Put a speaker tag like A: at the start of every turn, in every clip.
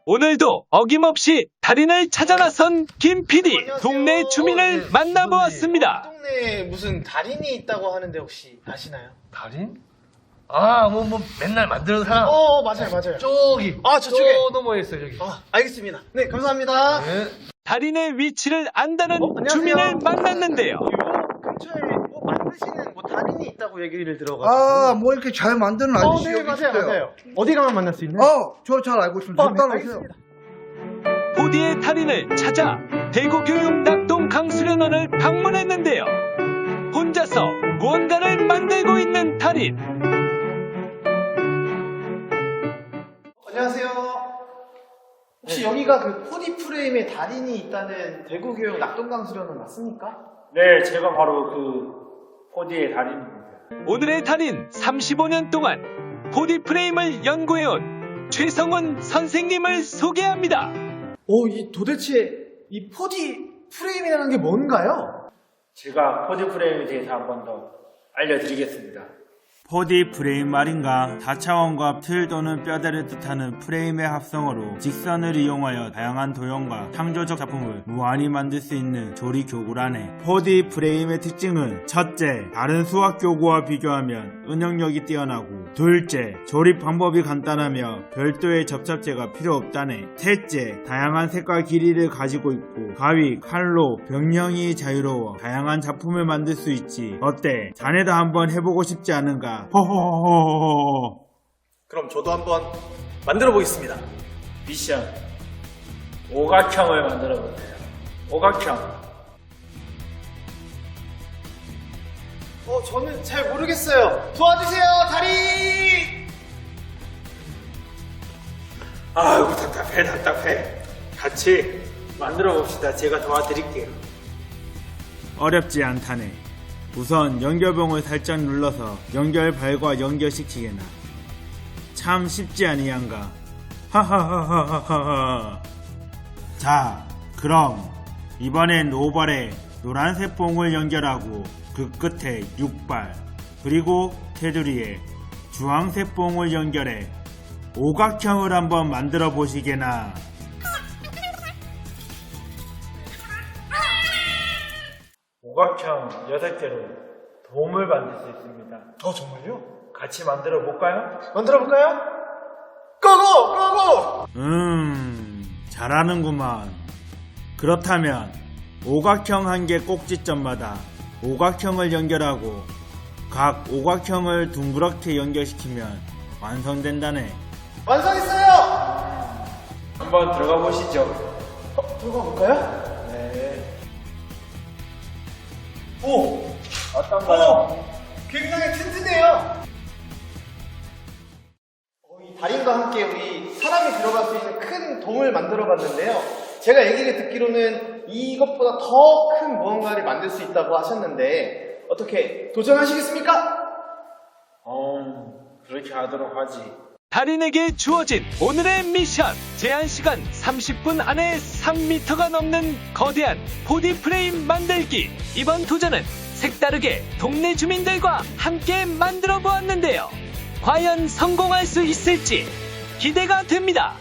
A: 오늘도 어김없이 달인을 찾아 나선 김 PD, 동네 주민을 만나보았습니다.
B: 동네에 무슨 달인이 있다고 하는데 혹시 아시나요?
C: 달인? 뭐 맨날 만드는 사람.
B: 맞아요.
C: 저기.
B: 저쪽에.
C: 저 너머에 있어요, 저기.
B: 알겠습니다. 네, 감사합니다.
C: 네.
A: 달인의 위치를 안다는
B: 안녕하세요.
A: 주민을 만났는데요.
B: 요 근처에 뭐 만드시는 뭐 달인이 있다고 얘기를 들어가지고.
D: 뭐 이렇게 잘 만드는 아저씨
B: 네,
D: 여기 있어요.
B: 맞아요. 어디 가면 만날 수 있나요?
D: 저 잘 알고 있습니다. 좀 따라오세요.
B: 알겠습니다.
A: 포디의 달인을 찾아 대구교육 낙동 강수련원을 방문했는데요. 혼자서 무언가를 만들고 있는 달인.
B: 안녕하세요. 혹시 여기가 그 포디 프레임의 달인이 있다는 대구교육 낙동강수련원 맞습니까?
E: 네, 제가 바로 그 포디의 달인입니다.
A: 오늘의 달인 35년 동안 포디 프레임을 연구해온 최성원 선생님을 소개합니다.
B: 도대체 이 포디 프레임이라는 게 뭔가요?
E: 제가 포디 프레임에 대해서 한 번 더 알려드리겠습니다. 포디 프레임 말인가, 다차원과 틀 또는 뼈대를 뜻하는 프레임의 합성어로 직선을 이용하여 다양한 도형과 창조적 작품을 무한히 만들 수 있는 조리 교구라네. 포디 프레임의 특징은 첫째, 다른 수학 교구와 비교하면 응용력이 뛰어나고, 둘째, 조립 방법이 간단하며 별도의 접착제가 필요 없다네. 셋째, 다양한 색과 길이를 가지고 있고 가위, 칼로 병령이 자유로워 다양한 작품을 만들 수 있지. 어때? 자네도 한번 해보고 싶지 않은가? 호호호호호.
B: 그럼 저도 한번 만들어 보겠습니다.
E: 미션 오각형을 만들어 보세요. 오각형.
B: 저는 잘 모르겠어요. 도와주세요, 달인!
E: 아이고 답답해. 같이 만들어 봅시다. 제가 도와드릴게요. 어렵지 않다네. 우선 연결봉을 살짝 눌러서 연결발과 연결시키게나. 참 쉽지 아니한가. 하하하하하하. 자, 그럼 이번엔 5발에 노란색 봉을 연결하고 그 끝에 6발, 그리고 테두리에 주황색 봉을 연결해 오각형을 한번 만들어 보시게나. 오각형 6개로 돔을 만들 수 있습니다.
B: 정말요?
E: 같이 만들어 볼까요?
B: 만들어 볼까요? 고고!
E: 잘하는구만. 그렇다면 오각형 한 개 꼭지점마다 오각형을 연결하고 각 오각형을 둥그렇게 연결시키면 완성된다네.
B: 완성했어요!
E: 한번 들어가 보시죠.
B: 들어가 볼까요?
E: 네.
B: 어떤가요? 굉장히 튼튼해요. 이 달인과 함께 우리 사람이 들어갈 수 있는 큰 동을 만들어 봤는데요. 제가 얘기를 듣기로는 이것보다 더 큰 무언가를 만들 수 있다고 하셨는데 어떻게 도전하시겠습니까?
E: 그렇게 하도록 하지.
A: 달인에게 주어진 오늘의 미션. 제한 시간 30분 안에 3m가 넘는 거대한 포디 프레임 만들기. 이번 도전은 색다르게 동네 주민들과 함께 만들어 보았는데요. 과연 성공할 수 있을지 기대가 됩니다.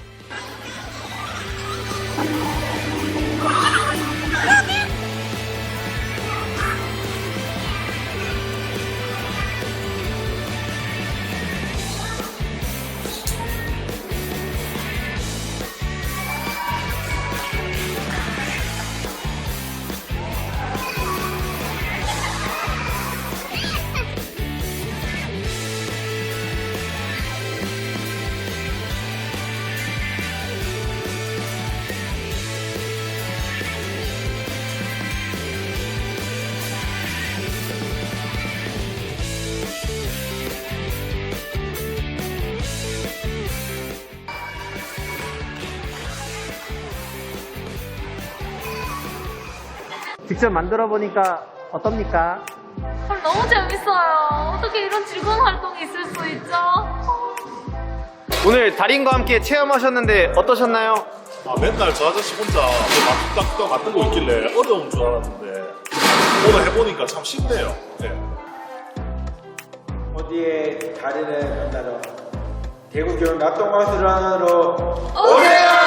B: 직접 만들어 보니까 어떻습니까?
F: 너무 재밌어요. 어떻게 이런 즐거운 활동이 있을 수 있죠?
B: 오늘 달인과 함께 체험하셨는데 어떠셨나요?
G: 맨날 저 아저씨 혼자 딱 만들고 있길래 어려운 줄 알았는데 오늘 해보니까 참 쉽네요. 네.
E: 포디의 달인을 만나러 대구교육 낙동강수련원으로
F: 오세요!